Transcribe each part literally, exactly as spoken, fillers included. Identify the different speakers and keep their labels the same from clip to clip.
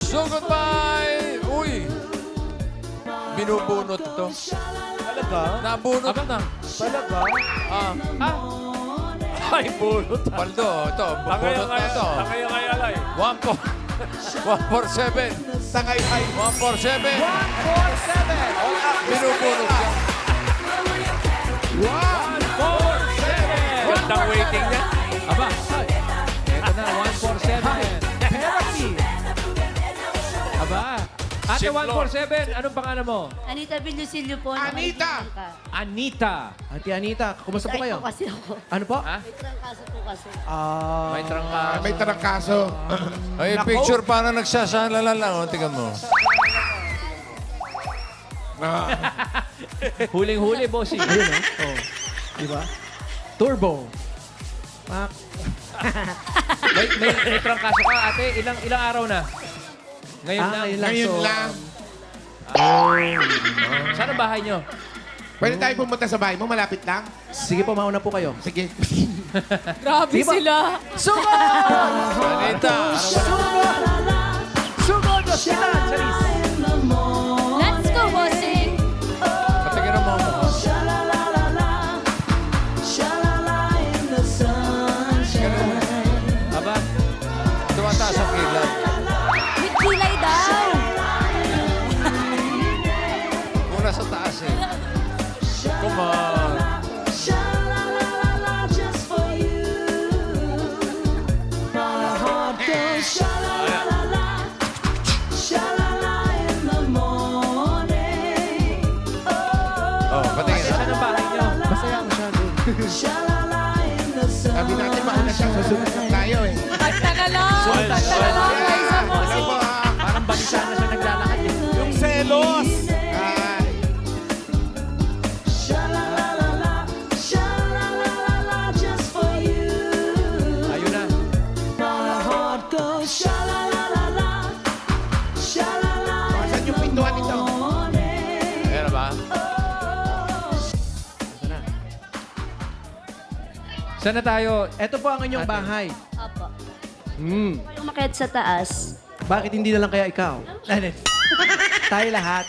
Speaker 1: So goodbye! Uy! Binubunot to.
Speaker 2: Talaga?
Speaker 1: Nabunot na.
Speaker 2: Talaga?
Speaker 1: Ah,
Speaker 2: Ah. Ay, bunot.
Speaker 1: Paldo, ito.
Speaker 2: Tangay
Speaker 1: Bunot
Speaker 2: ang
Speaker 1: na
Speaker 2: ay,
Speaker 1: ito.
Speaker 2: tangay ang ay alay.
Speaker 1: One four. One four seven.
Speaker 3: Tangay ay.
Speaker 1: One four seven.
Speaker 3: one four seven.
Speaker 1: Binubunot siya.
Speaker 3: one
Speaker 2: Four, seven. Gandang waiting niya.
Speaker 4: Aba, eto na, one four seven.
Speaker 3: Therapy.
Speaker 4: Aba, Ate
Speaker 1: Ship
Speaker 4: one four seven, anong pangalan mo?
Speaker 5: Anita Villusilio po.
Speaker 3: Anita!
Speaker 5: nakaibigan ka.
Speaker 4: Anita.
Speaker 6: Ate Anita, kumusta po
Speaker 5: Ay,
Speaker 6: kayo?
Speaker 5: po kasi ako.
Speaker 6: Ano po?
Speaker 4: Ha?
Speaker 5: May trangkaso po kasi.
Speaker 6: Ah,
Speaker 4: May trangka.
Speaker 3: Ah, may tarangkaso.
Speaker 1: Ay, picture parang nagsasalala lang. O, tingnan mo.
Speaker 4: Huling-huli, bossing.
Speaker 6: ayun oh. Oh. Di ba? Turbo. Pak.
Speaker 4: may, may, may trangkaso ka, ate. Ilang ilang araw na? Ngayon
Speaker 6: Ah,
Speaker 4: lang.
Speaker 6: ngayon lang.
Speaker 3: Ngayon
Speaker 6: So,
Speaker 3: lang.
Speaker 4: Saan ang bahay nyo?
Speaker 3: Pwede tayo pumunta sa bahay mo, malapit lang.
Speaker 6: Sige po, mauna po kayo.
Speaker 3: Sige.
Speaker 5: Grabe
Speaker 6: Di ba?
Speaker 5: sila.
Speaker 1: Anita!
Speaker 6: Sugod na sila, Charis.
Speaker 5: Let's go, bossing.
Speaker 1: Patingin mo mo.
Speaker 4: Aba,
Speaker 1: Tumataas ang kilay.
Speaker 5: With kilay daw.
Speaker 1: Muna sa taas eh. Come on. Oh, patingin ha.
Speaker 4: saan ang bahay nyo?
Speaker 6: Masaya masyado.
Speaker 3: Sabi natin, mauna siya. Susunod lang tayo eh.
Speaker 5: Basta na lang. Basta na lang. Guys, sa
Speaker 3: Hello
Speaker 5: bossing.
Speaker 3: po ah.
Speaker 4: Parang balisa na siya naglalakad. eh.
Speaker 2: Yung selos.
Speaker 3: Ay.
Speaker 4: Ayun na.
Speaker 3: Saan yung pintuan nito?
Speaker 1: Ayan na ba?
Speaker 4: Saan na tayo?
Speaker 6: Ito po ang inyong bahay.
Speaker 5: Apo.
Speaker 6: Hmm.
Speaker 5: Yung makayat sa taas.
Speaker 6: Bakit hindi na lang kaya ikaw? Tayo lahat.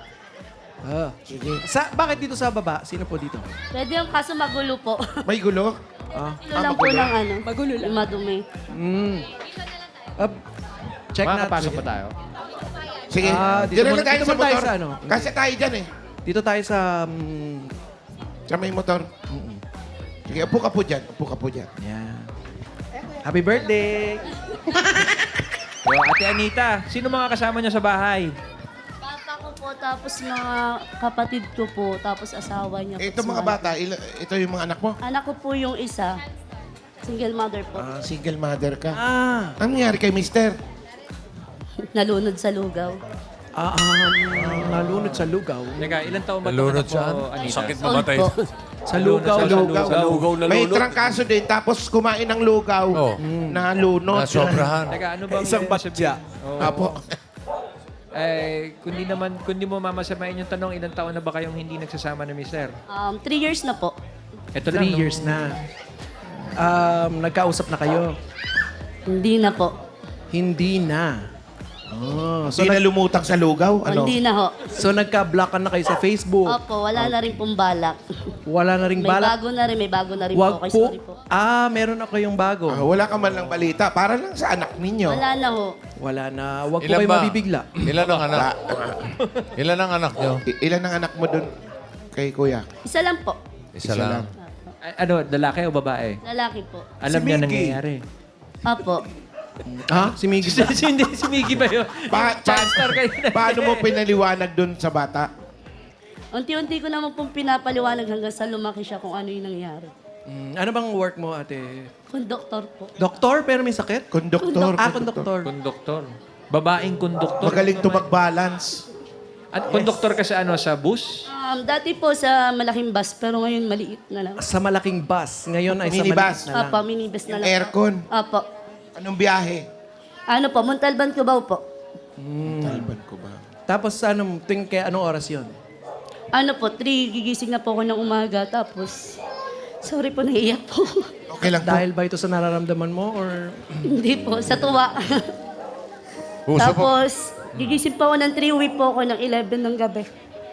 Speaker 6: Ah.
Speaker 3: Sige.
Speaker 6: Sa, bakit dito sa baba? Sino po dito?
Speaker 5: Pwede yung kaso magulo po.
Speaker 3: May gulo?
Speaker 6: Ah.
Speaker 5: Ilo lang po ng ano. Magulo lang. Madumi.
Speaker 6: Hmm. Up. Check natin.
Speaker 4: Makakapasok pa tayo?
Speaker 3: Sige.
Speaker 6: Ah, dito
Speaker 3: Diyan na
Speaker 6: muna-
Speaker 3: lang tayo
Speaker 6: dito
Speaker 3: sa
Speaker 6: muna tayo
Speaker 3: motor.
Speaker 6: sa ano?
Speaker 3: Kasi tayo dyan eh.
Speaker 6: Dito tayo sa... mm,
Speaker 3: Sa may motor. Sige, upo ka po dyan. Upo ka po dyan.
Speaker 6: yan. Happy birthday!
Speaker 4: Yo, Ate Anita, sino mga kasama niyo sa bahay?
Speaker 5: Papa ko po, tapos mga kapatid ko po, tapos asawa niya. po.
Speaker 3: Ito mga bata, ila- ito yung mga anak mo.
Speaker 5: Anak ko po yung isa. Single mother po.
Speaker 3: Ah, single mother ka.
Speaker 6: Ah,
Speaker 3: Anong nangyari kay mister?
Speaker 5: Nalunod sa lugaw.
Speaker 6: ah, um, nalunod sa lugaw.
Speaker 4: Teka, ilang taon ba itong
Speaker 1: Nalunod
Speaker 4: anak mo,
Speaker 1: saan?
Speaker 4: Anita?
Speaker 1: Sakit
Speaker 5: Old po.
Speaker 6: Sa lugaw.
Speaker 4: Sa lugaw.
Speaker 3: Sa lugaw. May trangkaso din, tapos kumain ng lugaw.
Speaker 1: Oh.
Speaker 3: Na lunod.
Speaker 1: Nasobrahan.
Speaker 4: Teka, ano bang
Speaker 2: Isang
Speaker 4: ibig sabihin? Oo.
Speaker 3: Apo.
Speaker 4: Eh, kundi naman, kundi mo mamasamain yung tanong, ilang taon na ba kayong hindi nagsasama ni mister?
Speaker 5: Um, three years na po.
Speaker 4: Ito lang,
Speaker 6: Three
Speaker 4: nung-
Speaker 6: years na. Um, nagkausap na kayo?
Speaker 5: Hindi na po.
Speaker 6: Hindi na. Oh, so,
Speaker 3: Hindi na
Speaker 6: nag-
Speaker 3: lumutang sa lugaw? Ano?
Speaker 5: Hindi na ho.
Speaker 6: so nagka-blockan na kayo sa Facebook.
Speaker 5: Opo, wala na rin pong balak.
Speaker 6: Wala na ring
Speaker 5: May
Speaker 6: balak.
Speaker 5: bago na rin, may bago na rin
Speaker 6: Wag
Speaker 5: po. Okay,
Speaker 6: po.
Speaker 5: sorry po.
Speaker 6: Ah, meron ako yung bago.
Speaker 3: Ah, wala ka man lang balita. Para lang sa anak ninyo.
Speaker 5: Wala na ho.
Speaker 6: Wala na. Wag po
Speaker 1: Ilan
Speaker 6: kayo
Speaker 1: ba?
Speaker 6: mabibigla.
Speaker 1: Ilan ang anak?
Speaker 3: Ba-
Speaker 1: Ilan ang anak nyo?
Speaker 3: I- ilan ang anak mo dun kay kuya?
Speaker 5: Isa lang po.
Speaker 1: Isa
Speaker 3: Isa
Speaker 1: lang.
Speaker 3: lang.
Speaker 4: A- ano, lalaki o babae?
Speaker 5: Lalaki po.
Speaker 4: Alam
Speaker 3: Si
Speaker 4: niya
Speaker 3: Mickey.
Speaker 4: nangyayari.
Speaker 5: Opo.
Speaker 6: Ha? Si Miggy ba?
Speaker 4: Hindi, si Mickey ba yun?
Speaker 3: Pa- pa-
Speaker 4: Chanstar kayo na.
Speaker 3: paano mo pinaliwanag dun sa bata?
Speaker 5: Unti-unti ko naman pong pinapaliwanag hanggang sa lumaki siya kung ano yung nangyari.
Speaker 6: Mm, ano bang work mo, ate?
Speaker 5: Konduktor po.
Speaker 6: Doktor, pero may sakit?
Speaker 3: Konduktor.
Speaker 6: Ah, konduktor.
Speaker 4: Konduktor. Babaeng konduktor.
Speaker 3: Magaling to mag-balance.
Speaker 4: At konduktor ka sa ano, sa bus?
Speaker 5: Um, dati po sa malaking bus, pero ngayon maliit na lang.
Speaker 6: Sa malaking bus. Ngayon ay sa
Speaker 3: Minibus.
Speaker 6: maliit na lang.
Speaker 5: Opo, minibus na lang.
Speaker 3: Aircon.
Speaker 5: Opo.
Speaker 3: Anong biyahe?
Speaker 5: Ano po, Montalban, Cubao po.
Speaker 3: Talban ko ba?
Speaker 6: Tapos ano, tuwing kaya anong oras yun?
Speaker 5: Ano po, three, gigising na po ako ng umaga, tapos, sorry po, naiiyak po.
Speaker 3: Okay lang po.
Speaker 6: Dahil ba ito sa nararamdaman mo or...
Speaker 5: Hindi po, sa tuwa.
Speaker 1: Uso pa,
Speaker 5: Tapos, gigising pa ako ng three, uwi po ako ng eleven ng gabi.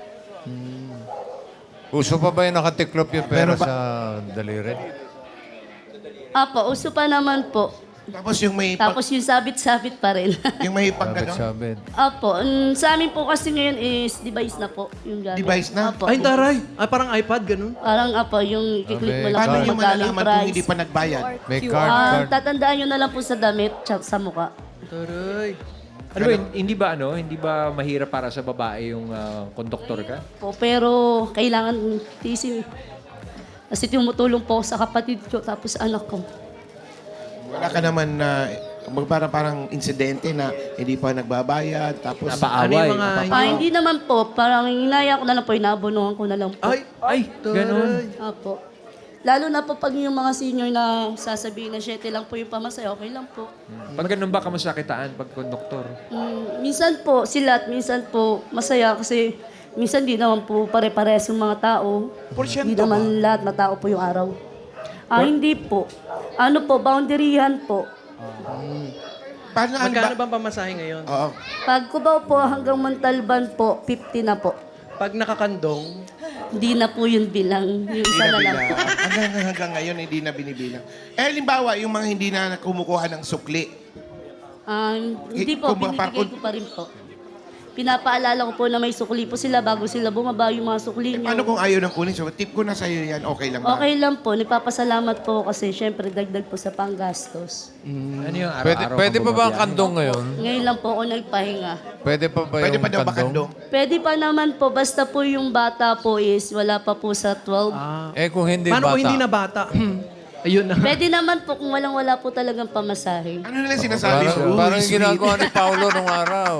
Speaker 1: uso pa ba yung nakatiklop yung pera
Speaker 3: Pero ba-
Speaker 1: sa daliri?
Speaker 5: Apo, uso pa naman po.
Speaker 3: Tapos yung may, pag,
Speaker 5: Tapos yung sabit-sabit pa rin.
Speaker 3: yung may pag,
Speaker 1: Sabit,
Speaker 3: ano?
Speaker 1: sabit.
Speaker 5: Apo, mm, sa amin po kasi ngayon is device na po yung gamit.
Speaker 3: Device na?
Speaker 5: Apo.
Speaker 6: Ay, taray. Ay, parang iPad, ganun.
Speaker 5: Parang apo, yung i-click mo lang
Speaker 3: Paano
Speaker 5: kung
Speaker 3: nyo
Speaker 5: magkano yung
Speaker 3: malalaman kung
Speaker 5: price.
Speaker 3: hindi pa nagbayad?
Speaker 1: May card,
Speaker 5: Ah,
Speaker 1: card.
Speaker 5: tatandaan nyo na lang po sa damit tsaka sa mukha.
Speaker 6: Taray.
Speaker 4: Ano ba, hindi ba ano, hindi ba mahirap para sa babae yung ah, konduktor ka?
Speaker 5: Po, pero kailangan tisin. Kasi tumutulong po ako sa kapatid ko tapos anak ko.
Speaker 3: Wala ka naman na uh, parang, parang insidente na hindi pa nagbabayad. Tapos,
Speaker 4: Napaaway.
Speaker 6: Ano yung mga...
Speaker 5: Ah, hindi naman po. Parang inaya ko na lang po, inabonohan ko na lang po.
Speaker 6: Ay,
Speaker 4: Ay, ganun.
Speaker 5: Apo. Lalo na po pag yung mga senior na sasabihin na syete lang po yung pamasaya, okay lang po.
Speaker 4: Pag ganun ba kamasakitaan pag konduktor?
Speaker 5: Mm, minsan po sila at minsan po masaya kasi minsan di naman po pare-pares yung mga tao. Hindi naman lahat na tao po yung araw. Ah, hindi po. Ano po, boundaryhan po.
Speaker 3: paano ang
Speaker 6: magkano
Speaker 3: ba?
Speaker 6: bang pamasahe ngayon?
Speaker 3: Oo.
Speaker 5: Pag Cubao po hanggang Montalban po, fifty na po.
Speaker 6: Pag nakakandong,
Speaker 5: Hindi na po yun bilang. Yung
Speaker 3: Hindi
Speaker 5: isa
Speaker 3: na
Speaker 5: na lang po.
Speaker 3: bilang. Hanggang, hanggang ngayon, hindi na binibilang. Eh, halimbawa, yung mga hindi na kumukuha ng sukli.
Speaker 5: Ah, hindi po,
Speaker 3: Kung ba-
Speaker 5: binibigay ko pa rin po. Pinapaalala ko po na may sukli po sila bago sila bumaba yung mga sukli
Speaker 3: Eh,
Speaker 5: nyo.
Speaker 3: paano kung ayaw ng kunin? So, tip ko na sa'yo yan, okay lang ba?
Speaker 5: Okay lang po. Nagpapasalamat po kasi syempre dagdag po sa panggastos.
Speaker 4: Ano yung
Speaker 1: Pwede,
Speaker 4: araw-araw
Speaker 1: pwede
Speaker 4: kang
Speaker 1: pa ba ang
Speaker 4: bumabiyahe?
Speaker 1: kandong ngayon?
Speaker 5: Ngayon lang po ako nagpahinga.
Speaker 1: Pwede pa ba
Speaker 3: Pwede
Speaker 1: yung
Speaker 3: pa daw ba
Speaker 1: kandong?
Speaker 3: kandong?
Speaker 5: Pwede pa naman po, basta po yung bata po is wala pa po sa twelve.
Speaker 6: ah,
Speaker 1: Eh kung hindi
Speaker 6: paano
Speaker 1: bata.
Speaker 6: kung hindi na bata? Ayun na.
Speaker 5: Pwede naman po kung walang-wala po talagang pamasahe.
Speaker 3: Ano nila sinasabi?
Speaker 1: Parang,
Speaker 3: Uy,
Speaker 1: parang yung
Speaker 3: sweet.
Speaker 1: ginagawa ni Paolo nung araw.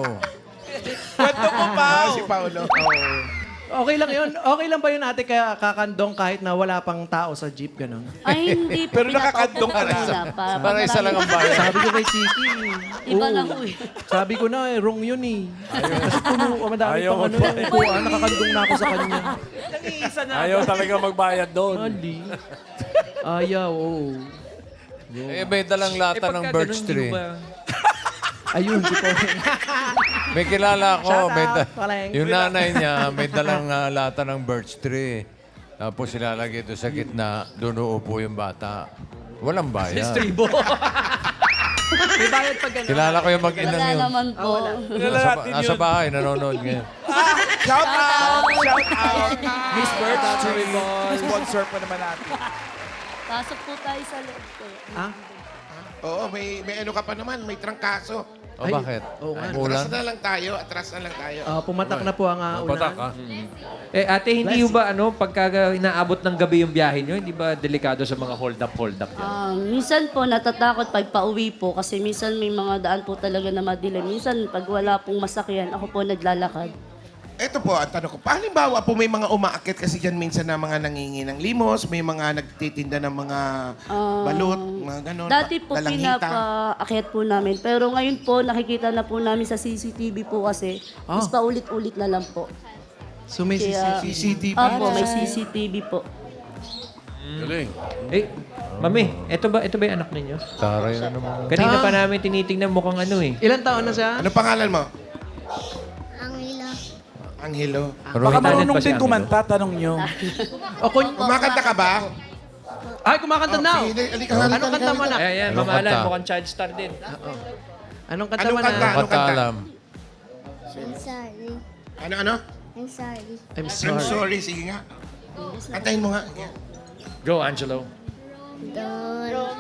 Speaker 3: Ah, si Paolo.
Speaker 6: Okay lang yun. Okay lang ba yun ate kaya kakandong kahit na wala pang tao sa jeep, ganun?
Speaker 5: Ay, hindi po. Pero nakakandong ka rin.
Speaker 1: Para isa lang ang bayan.
Speaker 6: Sabi ko kay Chiki.
Speaker 5: Iba
Speaker 6: oo.
Speaker 5: na po eh.
Speaker 6: Sabi ko na, eh, wrong yun eh. Kasi puno, madami
Speaker 2: Ayaw
Speaker 6: pang ano,
Speaker 2: magbayad.
Speaker 6: upuan, nakakandong na ako sa kanya.
Speaker 2: Ayaw talaga magbayad doon.
Speaker 6: Ali. Ayaw, oo.
Speaker 1: Eh, may dalang lata ng
Speaker 4: pagka
Speaker 1: birch
Speaker 4: ganun,
Speaker 1: tree.
Speaker 4: di ba-
Speaker 6: Ayun, di ko.
Speaker 1: May kilala ko.
Speaker 6: Shout
Speaker 1: May
Speaker 6: out,
Speaker 1: da-
Speaker 6: Paleng.
Speaker 1: yung nanay niya, may dalang ah, lata ng birch tree. Tapos ilalagay ito sa gitna, doon uupo yung bata. Walang bayad.
Speaker 6: Tribo. May bayad pag gano'n.
Speaker 1: Kilala ko yung mag-inang
Speaker 5: Wala
Speaker 1: yun.
Speaker 5: naman po.
Speaker 1: Nasa, nasa bahay, nanonood ngayon.
Speaker 7: Shout out! Shout out!
Speaker 6: Miss Bird, actually,
Speaker 7: Sponsor pa naman natin.
Speaker 5: Pasok po tayo sa loob ko.
Speaker 6: Ah?
Speaker 3: Oo, may, may ano ka pa naman, may trangkaso.
Speaker 1: O bakit?
Speaker 6: Oo nga.
Speaker 1: Ulan?
Speaker 3: Atras na lang tayo, atras na lang tayo.
Speaker 6: Ah, pumatak na po ang uh,
Speaker 2: Patak
Speaker 6: ulan.
Speaker 2: ha?
Speaker 4: Eh ate, hindi ba ano, pagka inaabot ng gabi yung biyahe nyo, hindi ba delikado sa mga hold up, hold up yan?
Speaker 5: Ah, minsan po natatakot pag pauwi po kasi minsan may mga daan po talaga na madilim. Minsan pag wala pong masakyan, ako po naglalakad.
Speaker 3: Ito po, ang tanong ko, halimbawa po may mga umaakit kasi dyan minsan na mga nangingi ng limos, may mga nagtitinda ng mga
Speaker 5: Ah,
Speaker 3: balut, mga ganon.
Speaker 5: Dati po
Speaker 3: dalanghita.
Speaker 5: pinapaakyat po namin. Pero ngayon po nakikita na po namin sa C C T V po kasi.
Speaker 6: Ah.
Speaker 5: Mas paulit-ulit na lang po.
Speaker 6: So may
Speaker 5: Kaya,
Speaker 3: C C T V.
Speaker 5: Apo, may C C T V po.
Speaker 2: Galing.
Speaker 4: Eh, mami, eto ba, ito ba yung anak ninyo?
Speaker 1: Taray na naman.
Speaker 4: Kanina pa namin tinitingnan mukhang ano eh.
Speaker 6: Ilan taon na siya?
Speaker 3: Ano pangalan mo?
Speaker 8: Angela.
Speaker 3: Angelo.
Speaker 4: Pero
Speaker 7: Baka
Speaker 4: internet
Speaker 7: marunong
Speaker 4: ba si
Speaker 7: din
Speaker 4: Angelo?
Speaker 7: kumanta, tanong nyo.
Speaker 6: O, kun-
Speaker 3: Kumakanta ka ba?
Speaker 6: Ay, kumakanta
Speaker 3: Oh,
Speaker 6: now.
Speaker 3: sige, halika, halika,
Speaker 6: Anong kanta mo
Speaker 3: halika.
Speaker 6: na?
Speaker 4: Eh, yan,
Speaker 1: Anong
Speaker 4: mamahalan,
Speaker 1: kanta?
Speaker 4: mukhang child star din.
Speaker 6: Anong kanta
Speaker 3: Anong
Speaker 6: mo
Speaker 3: kanta?
Speaker 6: na?
Speaker 3: Anong
Speaker 1: Kanta alam.
Speaker 8: I'm sorry.
Speaker 3: Ano, ano?
Speaker 8: I'm sorry.
Speaker 6: I'm
Speaker 3: I'm
Speaker 6: sorry.
Speaker 3: sorry, sige nga. Kantahin mo nga. Yeah.
Speaker 4: Go, Angelo.
Speaker 8: Don't go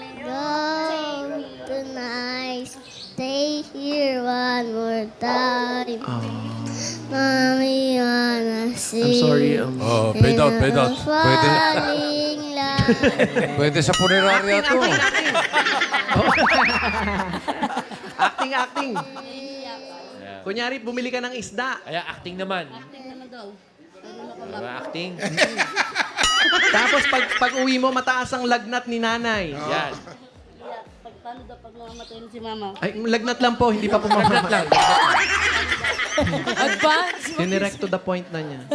Speaker 8: tonight. Stay here one more time. Mommy wanna see.
Speaker 6: I'm sorry. Um,
Speaker 2: Oh, fade out, fade out.
Speaker 1: Pwede.
Speaker 8: Falling love.
Speaker 1: Pwede sa punerarya to.
Speaker 6: acting, acting. Kunyari, bumili ka ng isda.
Speaker 4: Kaya acting naman. Diba, acting.
Speaker 6: Tapos pag, pag uwi mo, mataas ang lagnat ni nanay.
Speaker 4: Yan.
Speaker 5: Pag paano daw pag mamamatay na si mama?
Speaker 6: Ay, lagnat lang po, hindi pa pumamamatay.
Speaker 9: Advance.
Speaker 6: Dinirect to the point na niya.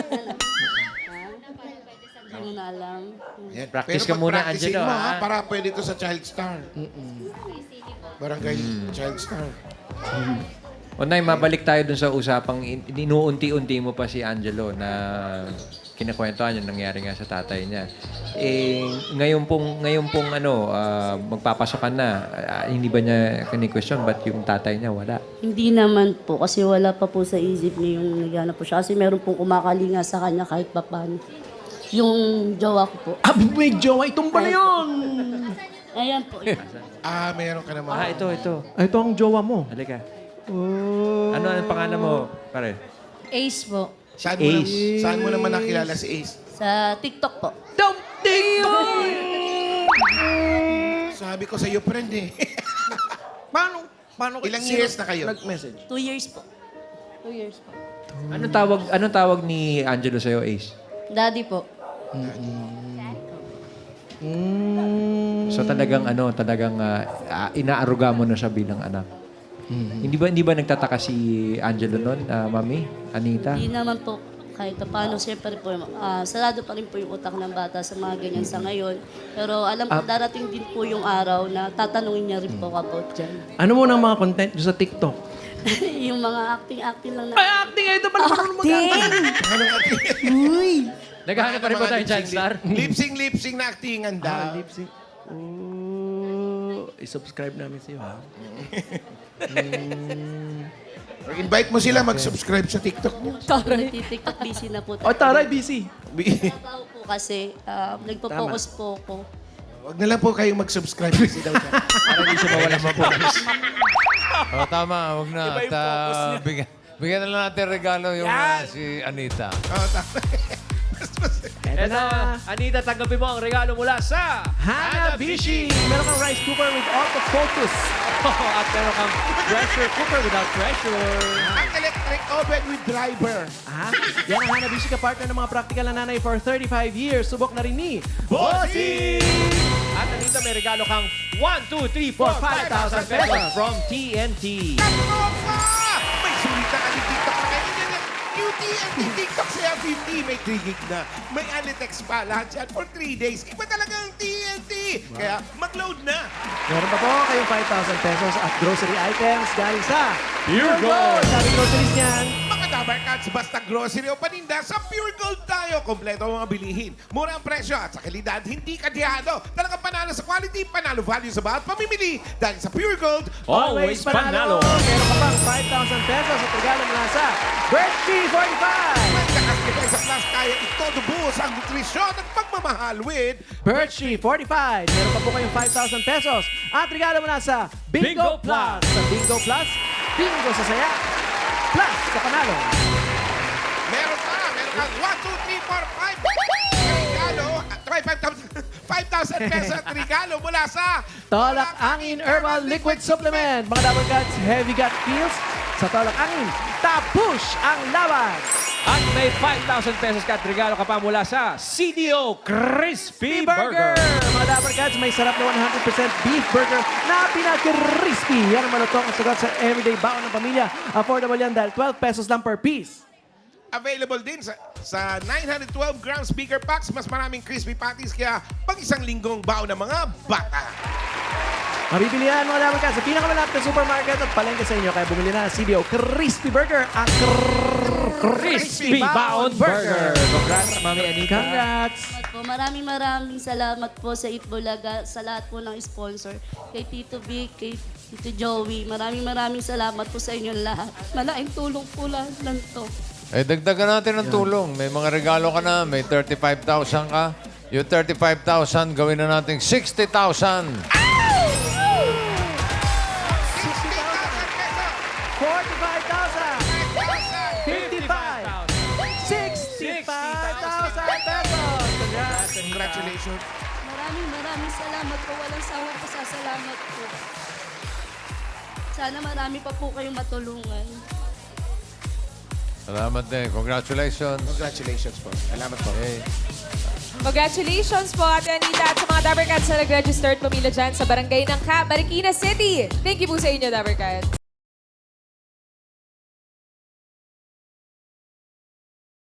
Speaker 5: Hindi mo na alam.
Speaker 3: Yan.
Speaker 4: Practice
Speaker 3: Pero
Speaker 4: ka muna,
Speaker 3: pag-practicein
Speaker 4: Angelo,
Speaker 3: mo, ha?
Speaker 4: ha?
Speaker 3: Para pwede ito sa Child Star. Barangay Child Star.
Speaker 4: O Nay, mabalik tayo dun sa usapang in- inuunti-unti mo pa si Angelo na kinakwentuhan yung nangyari nga sa tatay niya. Eh, ngayon pong, ngayon pong ano, ah, magpapasokan na, ah, hindi ba niya kini-question ba't yung tatay niya wala?
Speaker 5: Hindi naman po, kasi wala pa po sa isip niya yung naghanap po siya. Kasi meron pong kumakalinga sa kanya kahit papaano. Yung jowa ko po.
Speaker 6: Ah, may jowa. Itong pala yun.
Speaker 5: Ayan po.
Speaker 3: Ah, meron ka naman.
Speaker 4: Ah, ito, ito.
Speaker 6: Ah, ito ang jowa mo.
Speaker 4: Halika.
Speaker 6: Oh.
Speaker 4: Ano ang pangalan mo, pare?
Speaker 5: Ace po.
Speaker 3: Saan mo, na,
Speaker 4: Ace.
Speaker 3: saan mo naman nakilala si Ace?
Speaker 5: Sa TikTok po.
Speaker 3: Sabi ko sa iyo, friend eh.
Speaker 6: Paano? Paano?
Speaker 3: Ilang
Speaker 6: sino
Speaker 3: years na kayo?
Speaker 6: Nag-message.
Speaker 5: Two years po. Two years po.
Speaker 4: Anong tawag, anong tawag ni Angelo sa'yo, Ace?
Speaker 5: Daddy po.
Speaker 6: Mm.
Speaker 4: So talagang ano, talagang ah, ah, inaaruga mo na siya bilang anak. Hindi ba hindi ba nagtataka si Angelo noon, ah, Mami, Anita?
Speaker 5: Hindi naman po kahit pa paano, siyempre po, ah, sarado pa rin po yung utak ng bata sa mga ganyan sa ngayon. Pero alam ko, darating din po yung araw na tatanungin niya rin po about dyan.
Speaker 6: Ano mo ng mga content nyo sa TikTok?
Speaker 5: Yung mga acting-acting lang na...
Speaker 6: Ay, acting! Ito pala marunong mag-acting. Uy!
Speaker 4: Naghahanap pa rin ba tayo dyan, Star?
Speaker 3: Lip-sync, lip-sync na actingan
Speaker 6: Ah,
Speaker 3: daw.
Speaker 6: lip sync. Oh, i-subscribe namin sa'yo, ha?
Speaker 3: Invite mo sila mag-subscribe sa TikTok mo.
Speaker 5: Nagtitiktok, busy na po.
Speaker 6: Oh, taray, busy.
Speaker 5: Trabaho po kasi, ah, nagpo-focus po ako.
Speaker 3: Huwag na lang po kayong mag-subscribe kasi daw siya.
Speaker 4: Para hindi siya mawala sa focus.
Speaker 1: O, tama, huwag na.
Speaker 7: Iba
Speaker 1: At
Speaker 7: yung focus
Speaker 1: ah,
Speaker 7: niya.
Speaker 1: bigyan, bigyan na lang natin regalo yung ah, si Anita.
Speaker 3: Oh, tama.
Speaker 6: Eto
Speaker 4: Eto,
Speaker 6: na.
Speaker 4: Anita, tanggapin mo ang regalo mula sa
Speaker 6: Hanabishi! Meron kang rice cooker with autofocus.
Speaker 4: at meron kang pressure cooker without pressure.
Speaker 3: Ang electric oven with driver.
Speaker 6: Ah, yan ang Hanabishi ka-partner ng mga practical na nanay for thirty-five years. Subok na rin ni
Speaker 3: Bossy!
Speaker 4: At Anita, may regalo kang one, two, three, four, five thousand pesos from T N T.
Speaker 3: Katoka! May sulit na kami TikTok na kayo. Yan yan. New T N T TikTok sa F M T. May three gig na. May Alitex pa. Lahat yan for three days. Iba talaga ang T N T. Kaya mag-load na.
Speaker 6: meron pa po kayong five thousand pesos at grocery items galing sa
Speaker 4: Pure Gold.
Speaker 6: Sabi groceries niyan.
Speaker 3: Mga Dabar Cats, basta grocery o paninda, sa Pure Gold tayo. Kompleto ang mga bilihin. Mura ang presyo at sa kalidad, hindi kadyado. Talagang panalo sa quality, panalo value sa bawat pamimili. Dahil sa Pure Gold,
Speaker 4: Always panalo.
Speaker 6: Meron ka pang five thousand pesos at regalo mula sa Birchie forty-five.
Speaker 3: may kakas sa plus kaya ito dubuhos ang nutrisyon at pagmamahal with
Speaker 6: Birchie forty-five. Meron pa po kayong five thousand pesos at regalo mula sa Bingo,
Speaker 4: Bingo
Speaker 6: Plus.
Speaker 4: Plus.
Speaker 6: Sa Bingo Plus, Bingo sa saya, plus sa panalo.
Speaker 3: meron pa, meron kang one, two, three, four, five regalo, at five thousand pesos at regalo mula sa
Speaker 6: Tolak Angin Herbal Liquid Supplement. Mga Double Guts Heavy Gut Feels. Sa Tolak Angin, tapush ang laban.
Speaker 4: At may five thousand pesos ka at regalo ka pa mula sa C D O Crispy Burger.
Speaker 6: Mga Double Guts, may sarap na one hundred percent beef burger na pinaka-crispy. Yan ang malutong at sagot sa everyday baon ng pamilya. Affordable yan dahil twelve pesos lang per piece.
Speaker 3: available din sa, sa nine hundred twelve gram speaker packs. Mas maraming crispy patties kaya pag isang linggong baon ng mga bata.
Speaker 6: Mabibili yan mga Double Guts sa pinakamalapit na supermarket at palengke sa inyo. Kaya bumili na ng C D O Crispy Burger. Ang
Speaker 4: Crispy Baon Burger. Congrats, Mami Anita.
Speaker 6: Congrats!
Speaker 5: Salamat po. Maraming maraming salamat po sa Itbulaga, sa lahat po ng sponsor. Kay Tito Vic, kay Tito Joey. Maraming maraming salamat po sa inyong lahat. Malaking tulong po lahat lang to.
Speaker 1: Eh, dagdagan natin ng tulong. May mga regalo ka na. May thirty-five thousand ka. Yung thirty-five thousand, gawin na natin sixty thousand.
Speaker 6: forty-five thousand! fifty-five! sixty-five thousand pesos! Congrats!
Speaker 3: Congratulations.
Speaker 5: Maraming maraming salamat po. Walang sawang pasasalamat po. Sana marami pa po kayong matulungan.
Speaker 1: Salamat din. Congratulations.
Speaker 3: Congratulations po. Salamat po.
Speaker 1: Okay.
Speaker 9: Congratulations po, Ate Anita, at sa mga Dabber Cats na nag-register at pumila dyan sa barangay ng Cap, Marikina City. Thank you po sa inyo, Dabber Cats.